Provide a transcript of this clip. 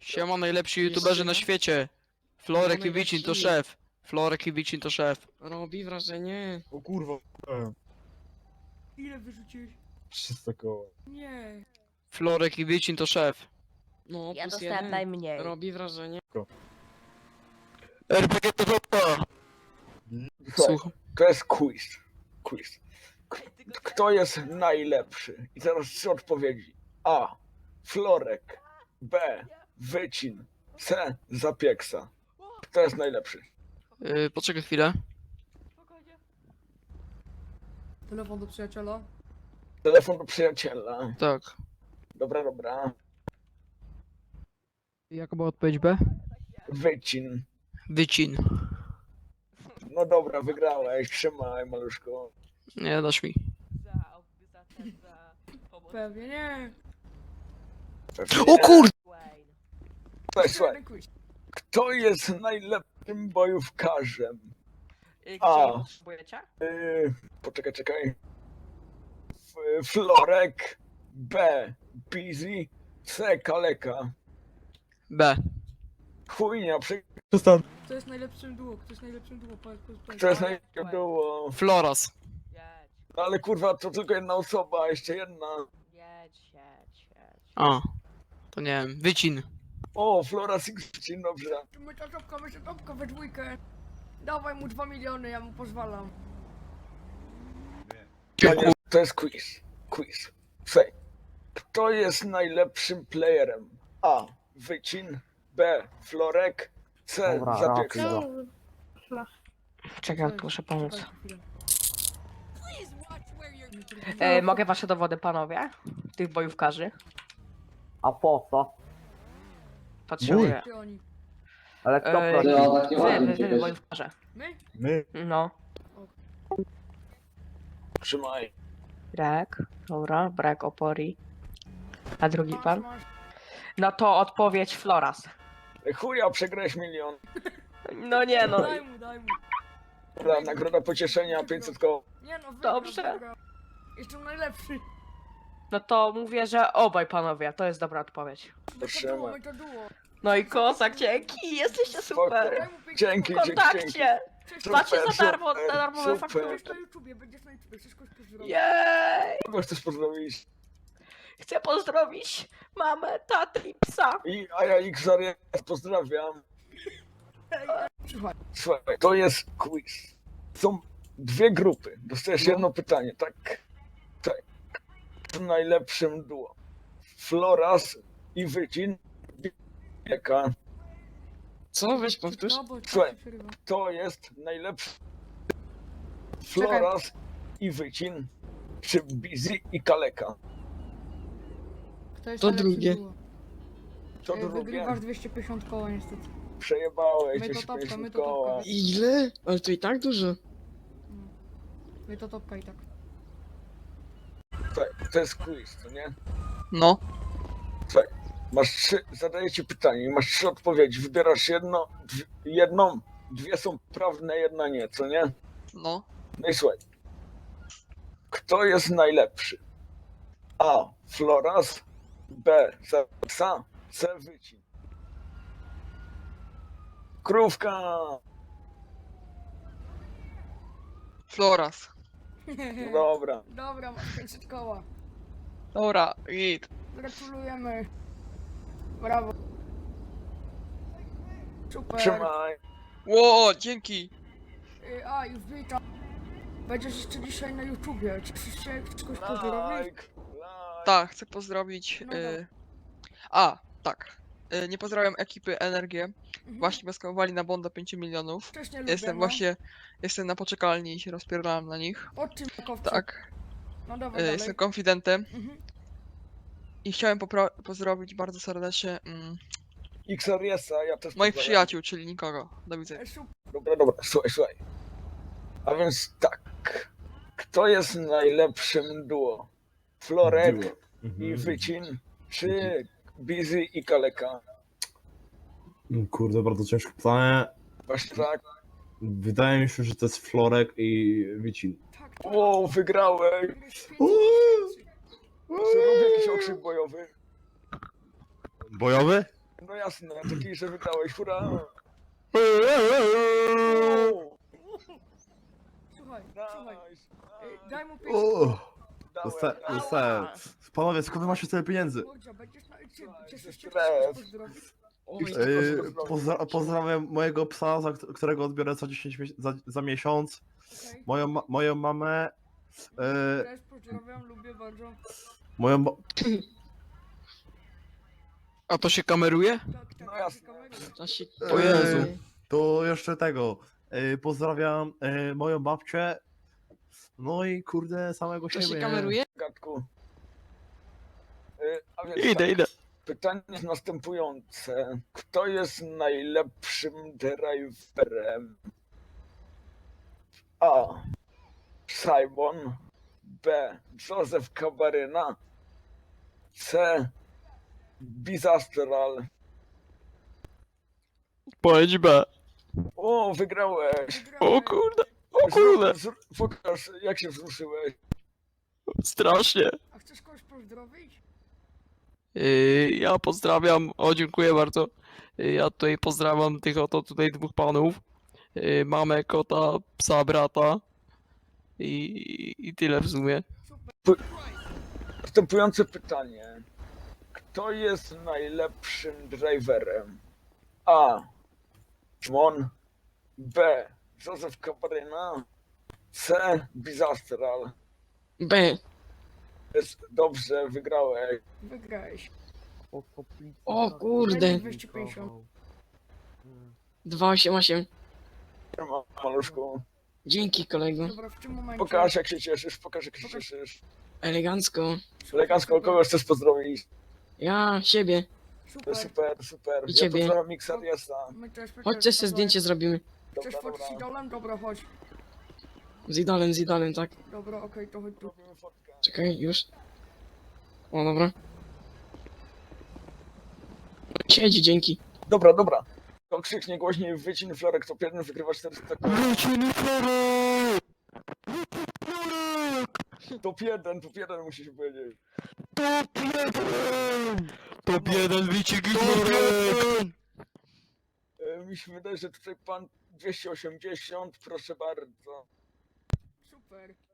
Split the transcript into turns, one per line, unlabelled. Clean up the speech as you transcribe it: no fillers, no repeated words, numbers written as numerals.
Siema, najlepsi youtuberzy na świecie. Florek i Wicin to szef. Florek i Wicin to szef.
Robi wrażenie.
O kurwa.
Ile wyrzuciłeś?
300 koła.
Nie.
Florek i Wicin to szef.
No,
Ja
plus
dostałem
jeden.
najmniej.
Robi wrażenie.
RPG to wopa. Słucham.
To jest quiz. Quiz. Kto jest najlepszy? I teraz 3 odpowiedzi. A. Florek. B. Wycin. C. Zapieksa. Kto jest najlepszy?
Poczekaj chwilę.
Telefon do przyjaciela.
Telefon do przyjaciela.
Tak.
Dobra, dobra.
Jaka była odpowiedź B?
Wycin.
Wycin.
No dobra, wygrałeś. Trzymaj, maluszko.
Nie dasz mi.
Pewnie nie.
O kur...
Słuchaj,
Jeden quiz.
kto jest najlepszym bojówkarzem?
Gdzie
A.
je potrzebujecie?
Czekaj. Florek. B. Busy. C. Kaleka.
B.
Chujnia,
Przestań.
Kto jest najlepszym duo? Kto jest najlepszym duo? Powiedz.
kto jest najlepszym było?
Floras.
Jedź,
No ale kurwa, to tylko jedna osoba, jeszcze jedna.
jedź.
A. To nie wiem. Wycin.
O, Flora Sixteen, dobrze.
My to topka we dwójkę. Dawaj mu 2 miliony, ja mu pozwalam.
To jest quiz. Quiz. Słuchaj, kto jest najlepszym playerem? A. Wycin. B. Florek. C. Zapieksa.
Czekaj, muszę pomóc.
Czekaj chwilę.
Mogę wasze dowody, panowie? Tych bojówkarzy?
A po co?
Potrzebuję.
Ty oni.
Ale kto
Ej,
prosi?
wy bojówkarze.
My?
My.
No.
Trzymaj.
Brek, dobra, brak opori. A drugi
Masz,
pan?
masz.
No to odpowiedź Floras.
Chuja, przegrałeś milion.
No nie no.
Daj mu.
Dobra, nagroda pocieszenia 500 koła.
Nie no, wygrał,
Dobrze.
wygrał. Jestem najlepszy.
No to mówię, że obaj panowie, to jest dobra odpowiedź.
My to duo.
No i kozak, dzięki, jesteście super.
Daj mu 500
Dzięki,
W
koła.
dzięki.
kontakcie.
Cześć,
Macie za
Super,
darmo,
super,
darmowe
super.
faktury.
Będziesz na YouTubie, wszystko pozdrowić.
Jej!
Kogo chcesz pozdrowić?
Chcę pozdrowić mamę, tatę i psa.
A ja Xarias pozdrawiam.
Słuchaj,
Słuchaj, to jest quiz. Są 2 grupy. Dostajesz jedno pytanie, tak? Tak. W najlepszym duo. Floras i Wycin. Jaka?
Co? Weź powtórz.
no bo
Słuchaj.
tak się przerywa.
To jest najlepszy. Floras i Wycin. Czy Busy i Kaleka?
Kto jest
To
najlepszym
drugie.
duo?
To drugie.
Wygrywasz 250 koła niestety.
Przejebałeś
My to
250
topka,
koła.
Ile? Ale to i tak dużo.
My to topka i tak.
Słuchaj, to jest quiz, to nie?
No.
Masz 3, zadaję ci pytanie i masz 3 odpowiedzi. Wybierasz jedną, 2 są prawne, jedna nie, co nie?
No.
No i słuchaj. Kto jest najlepszy? A. Floras. B. Zapsa. C. Wycin. Krówka!
Floras.
No dobra.
Dobra, masz 500 koła.
Dobra, git.
Gratulujemy. Brawo. Super.
Trzymaj.
Ło, dzięki.
A, już witam. Będziesz jeszcze dzisiaj na YouTubie. Cieszysz się? Chcesz kogoś pozdrowić?
Like.
Tak, chcę pozdrowić.
No dobra.
Tak. Nie pozdrawiam ekipy Energię.
Mhm.
Właśnie maskowali na bonda 5 milionów.
Wcześniej lubię,
Jestem
no.
właśnie. Jestem na poczekalni i się rozpierdałem na nich.
Od czym makowcu?
Tak.
No dobra, dalej.
Jestem konfidentem.
Mhm.
I chciałem pozdrowić bardzo serdecznie
Xariesa, ja też
moich
pozdrawiam.
przyjaciół, czyli nikogo. Do widzenia.
Super.
Dobra, słuchaj. A więc tak. Kto jest najlepszym duo? Florek
Duo.
i Wycin, czy Busy i Kaleka?
Kurde, bardzo ciężkie pytanie.
Właśnie tak.
Wydaje mi się, że to jest Florek i Wicin.
Tak,
O, wygrałeś!
Uuu.
Czy robię jakiś okrzyk bojowy?
Bojowy?
No ja jasne, taki, że wygrałeś, hurra!
Słuchaj,
Nice.
daj mu 5
Dostałem. Panowie, skąd macie tyle pieniędzy?
Mordzia, będziesz na... Cieszysz się,
Stref.
pozdrowić?
Oj,
Pozdrawiam mojego psa, którego odbiorę co 10 za miesiąc.
Okej.
Moją mamę.
Też pozdrawiam, lubię bardzo.
Moją.
A to się kameruje?
Tak,
No
tak,
jasne.
kamerę.
To się...
O Jezu.
To jeszcze tego. Pozdrawiam moją babcię. No i kurde, samego
To
siebie.
się
nie?
kameruje?
Gadku. A więc
Idę,
tak,
idę.
pytanie jest następujące. Kto jest najlepszym driverem? A. Simon. B. Joseph Kabaryna. C. Bizastral.
Powiedz B.
O, wygrałeś!
O kurde. O kurde.
Pokaż, jak się wzruszyłeś.
Strasznie.
A chcesz kogoś pozdrowić?
Ja pozdrawiam, o dziękuję bardzo. Ja tutaj pozdrawiam tych oto tutaj dwóch panów. Mamę, kota, psa, brata. I tyle w sumie.
Następujące pytanie. Kto jest najlepszym driverem? A. Mon. B. Joseph Cabrera. C. Bizastral.
B.
Jest dobrze, wygrałeś.
Wygrałeś.
O kurde.
250.
288.
Maluszku.
Dzięki kolego.
Dobra, w tym momencie...
Pokaż jak się cieszysz, pokaż jak się cieszysz.
Elegancko.
Elegancko, kogo chcesz pozdrowić?
Ja siebie.
Super.
Super, super.
I
Ja
ciebie.
pozdrawiam Mixariasa.
My też
Chodźcie sobie zdjęcie zrobimy.
Chcesz
Dobra,
fotkę z
dobra.
idolem? Dobra, chodź.
Z idolem, tak.
Dobra, okej, to chodź tu.
Robimy fotkę.
Czekaj, już. O, dobra. Siedzi, dzięki.
Dobra, dobra. To krzyknie głośniej, wycin Florek, top 1 wygrywa 400 koła. Top 1 musisz powiedzieć.
Top 1 wyścig Florek!
Mi się wydaje, że tutaj pan 280, proszę bardzo.
Super.